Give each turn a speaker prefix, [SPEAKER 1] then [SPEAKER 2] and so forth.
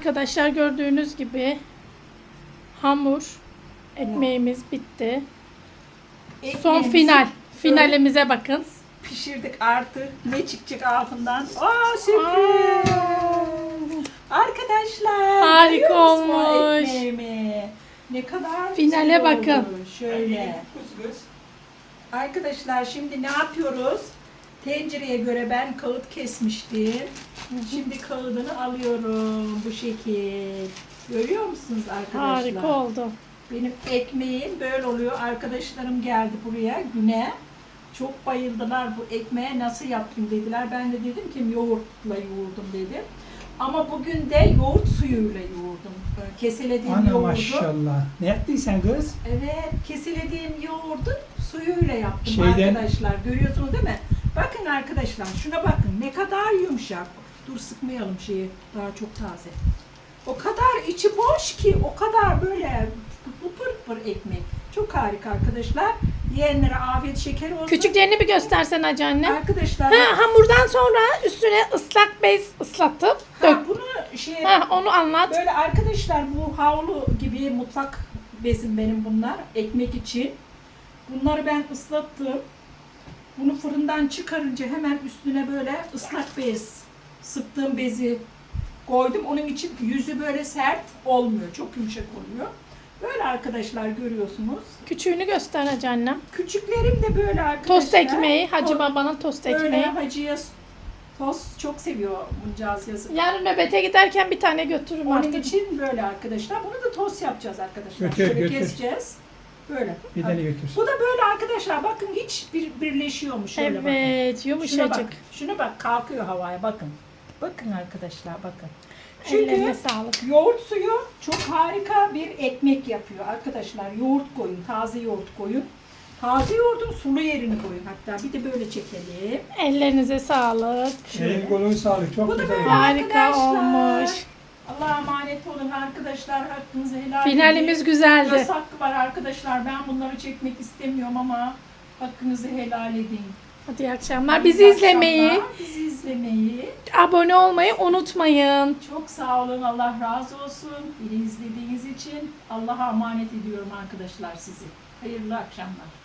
[SPEAKER 1] Arkadaşlar gördüğünüz gibi hamur ekmeğimiz bitti. Son finalimize bakın.
[SPEAKER 2] Pişirdik artık. Ne çıkacak altından? Aa, sürpriz. Arkadaşlar.
[SPEAKER 1] Harika olmuş.
[SPEAKER 2] Ekmeğimi. Ne kadar
[SPEAKER 1] Finale
[SPEAKER 2] güzel
[SPEAKER 1] bakın.
[SPEAKER 2] oldu. Şöyle. Arkadaşlar şimdi ne yapıyoruz? Tencereye göre ben kağıt kesmiştim. Şimdi kağıdını alıyorum bu şekil. Görüyor musunuz arkadaşlar?
[SPEAKER 1] Harika oldu.
[SPEAKER 2] Benim ekmeğim böyle oluyor. Arkadaşlarım geldi buraya güne. Çok bayıldılar bu ekmeğe, nasıl yaptım dediler. Ben de dedim ki yoğurtla yoğurdum dedim. Ama bugün de yoğurt suyuyla yoğurdum. Keselediğim
[SPEAKER 3] Ana
[SPEAKER 2] yoğurdu.
[SPEAKER 3] maşallah. Ne yaptıysan kız?
[SPEAKER 2] Evet, keselediğim yoğurdu suyuyla yaptım
[SPEAKER 3] Şeyden-
[SPEAKER 2] arkadaşlar. Görüyorsunuz değil mi? Bakın arkadaşlar, şuna bakın. Ne kadar yumuşak. Dur, sıkmayalım şeyi. Daha çok taze. O kadar içi boş ki, o kadar böyle pır pır ekmek. Çok harika arkadaşlar. Yiyenlere afiyet şeker olsun.
[SPEAKER 1] Küçüklerini bir göstersen Hacı anne.
[SPEAKER 2] Arkadaşlar,
[SPEAKER 1] Hamurdan sonra üstüne ıslak bez ıslatıp dök.
[SPEAKER 2] bunu şey
[SPEAKER 1] Onu anlat.
[SPEAKER 2] böyle arkadaşlar, bu havlu gibi mutfak bezim benim bunlar, ekmek için. Bunları ben ıslattım. Bunu fırından çıkarınca hemen üstüne böyle ıslak bez, sıktığım bezi koydum. Onun için yüzü böyle sert olmuyor, çok yumuşak oluyor. Böyle arkadaşlar, görüyorsunuz.
[SPEAKER 1] Küçüğünü göster Hacı annem.
[SPEAKER 2] Küçüklerim de böyle arkadaşlar.
[SPEAKER 1] Tost ekmeği. Hacı babanın tost
[SPEAKER 2] Böyle
[SPEAKER 1] ekmeği.
[SPEAKER 2] hacıya tost çok seviyor buncağız yazın.
[SPEAKER 1] Yarın nöbete giderken bir tane götürürüm
[SPEAKER 2] Onun
[SPEAKER 1] artık.
[SPEAKER 2] için böyle arkadaşlar. Bunu da tost yapacağız arkadaşlar.
[SPEAKER 3] Götür,
[SPEAKER 2] Şöyle
[SPEAKER 3] götür.
[SPEAKER 2] keseceğiz. Böyle.
[SPEAKER 3] Bir tane götür.
[SPEAKER 2] Bu da böyle arkadaşlar. Bakın hiç birleşiyormuş. Şöyle bakın.
[SPEAKER 1] Evet,
[SPEAKER 2] Şuna
[SPEAKER 1] yumuşacık.
[SPEAKER 2] bak. Şuna bak, kalkıyor havaya, bakın. Bakın arkadaşlar, bakın.
[SPEAKER 1] Ellerine
[SPEAKER 2] Çünkü
[SPEAKER 1] sağlık.
[SPEAKER 2] yoğurt suyu çok harika bir ekmek yapıyor arkadaşlar. Yoğurt koyun, taze yoğurt koyun. Taze yoğurdun sulu yerini koyun hatta. Bir de böyle çekelim.
[SPEAKER 1] Ellerinize sağlık.
[SPEAKER 3] Elin kolun sağlık. Çok
[SPEAKER 2] Bu da
[SPEAKER 3] güzel.
[SPEAKER 2] böyle
[SPEAKER 1] Harika
[SPEAKER 2] arkadaşlar.
[SPEAKER 1] olmuş.
[SPEAKER 2] Allah'a emanet olun arkadaşlar. Hakkınızı helal edin.
[SPEAKER 1] Finalimiz güzeldi.
[SPEAKER 2] Yasak var arkadaşlar. Ben bunları çekmek istemiyorum ama hakkınızı helal edin.
[SPEAKER 1] Hadi iyi akşamlar.
[SPEAKER 2] İyi
[SPEAKER 1] Bizi izlemeyi,
[SPEAKER 2] akşamlar. Bizi izlemeyi.
[SPEAKER 1] abone olmayı unutmayın.
[SPEAKER 2] Çok sağ olun. Allah razı olsun. Beni izlediğiniz için Allah'a emanet ediyorum arkadaşlar sizi. Hayırlı akşamlar.